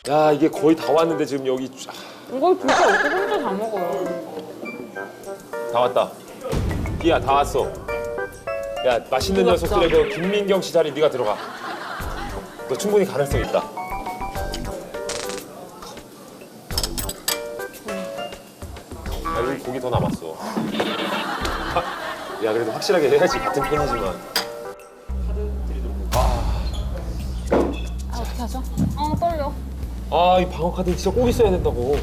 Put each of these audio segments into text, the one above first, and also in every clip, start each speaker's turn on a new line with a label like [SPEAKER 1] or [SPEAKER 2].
[SPEAKER 1] 야 이게 거의 다 왔는데 지금 여기
[SPEAKER 2] 이거 진짜 어떻게 혼자 다 먹어요?
[SPEAKER 1] 다 왔다. 기야 다 왔어. 야 맛있는 녀석들의 그 김민경 씨 자리 네가 들어가. 너 충분히 가능성 있다. 야 여기 고기 더 남았어. 야 그래도 확실하게 해야지 같은 편이지만.
[SPEAKER 2] 어떻게 하죠? 떨려.
[SPEAKER 1] 아 이 방어 카드 진짜 꼭 있어야 된다고.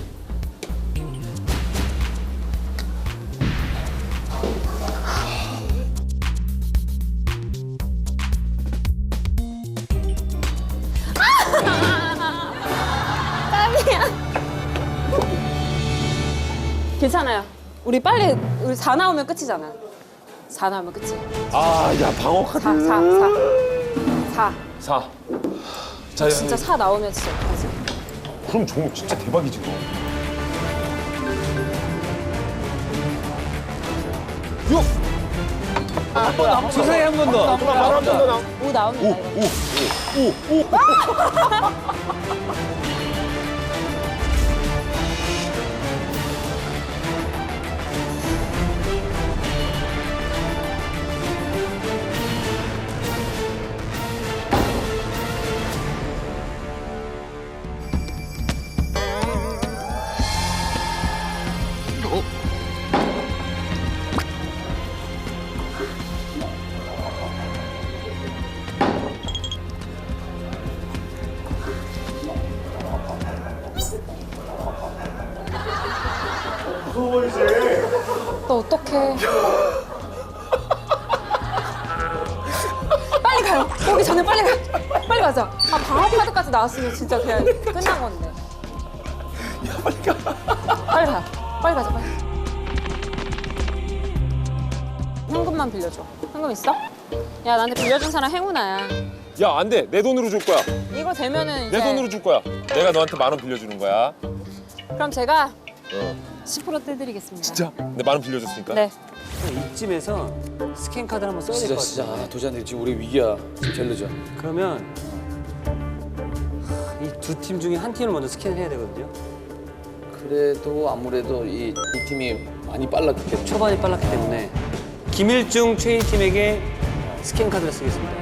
[SPEAKER 2] 괜찮아요. 우리 빨리 우리 4 나오면 끝이잖아. 4 나오면 끝이.
[SPEAKER 1] 아야 방어 카드.
[SPEAKER 2] 4.
[SPEAKER 1] 4. 자, 야,
[SPEAKER 2] 진짜 4 나오면 진짜 어떡하지?
[SPEAKER 1] 그럼 종목 진짜 대박이지 너. 6.
[SPEAKER 3] 주사위 한 번 더.
[SPEAKER 1] 바로 한번 더 나.
[SPEAKER 2] 5 나옵니다. 이거.
[SPEAKER 1] 5.
[SPEAKER 2] 너 어떡해. 빨리 가요. 오기 전에 빨리 가. 빨리 가자. 아, 방어 카드까지 나왔으면 진짜 그냥 끝난 건데.
[SPEAKER 1] 야 빨리 가.
[SPEAKER 2] 빨리 가. 빨리 가자, 빨리. 현금만 빌려줘. 현금 있어? 야, 나한테 빌려준 사람 행운아야.
[SPEAKER 1] 야 안 돼. 내 돈으로 줄 거야.
[SPEAKER 2] 이거 되면은 이제
[SPEAKER 1] 내 돈으로 줄 거야. 내가 너한테 10,000원 빌려주는 거야.
[SPEAKER 2] 그럼 제가
[SPEAKER 1] 어.
[SPEAKER 2] 10% 떼드리겠습니다.
[SPEAKER 1] 진짜? 내 10,000원 빌려줬으니까.
[SPEAKER 2] 네.
[SPEAKER 3] 이쯤에서 스캔 카드 한번 써야 될
[SPEAKER 4] 진짜
[SPEAKER 3] 것
[SPEAKER 4] 진짜
[SPEAKER 3] 같아요.
[SPEAKER 4] 도전이 지금 우리 위기야. 지금 제일 늦어.
[SPEAKER 3] 그러면 이 두 팀 중에 한 팀을 먼저 스캔을 해야 되거든요.
[SPEAKER 4] 그래도 아무래도 이 팀이 많이 빨랐겠네.
[SPEAKER 3] 초반이 빨랐기 때문에 김일중 최인 팀에게 스캔 카드를 쓰겠습니다.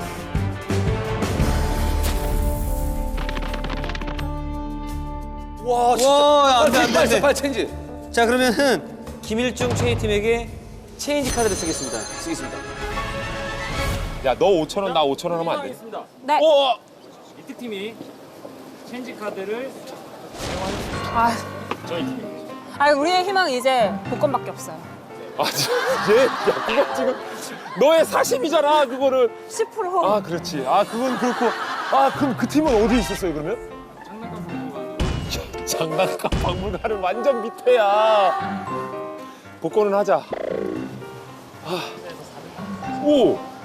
[SPEAKER 4] 와
[SPEAKER 3] 와, 안 돼, 안 돼, 안 돼.
[SPEAKER 4] 빨리 체인지.
[SPEAKER 3] 자, 그러면은 김일중 최인 팀에게 체인지 카드를 쓰겠습니다.
[SPEAKER 4] 쓰겠습니다.
[SPEAKER 1] 야 너 5,000원 나 5,000원 하면 안 돼?
[SPEAKER 2] 네.
[SPEAKER 1] 어.
[SPEAKER 5] 이특 팀이 체인지 카드를
[SPEAKER 2] 아,
[SPEAKER 5] 저희 팀이
[SPEAKER 2] 우리의 희망은 이제 복권밖에 없어요.
[SPEAKER 1] 아 얘, 야 그거 지금 너의 사심이잖아 그거를.
[SPEAKER 2] 10%.
[SPEAKER 1] 아 그렇지. 아 그건 그렇고. 아 그럼 그 팀은 어디 있었어요 그러면? 장난감 박물관은 완전 밑에야. 복권은 하자. 아. 오.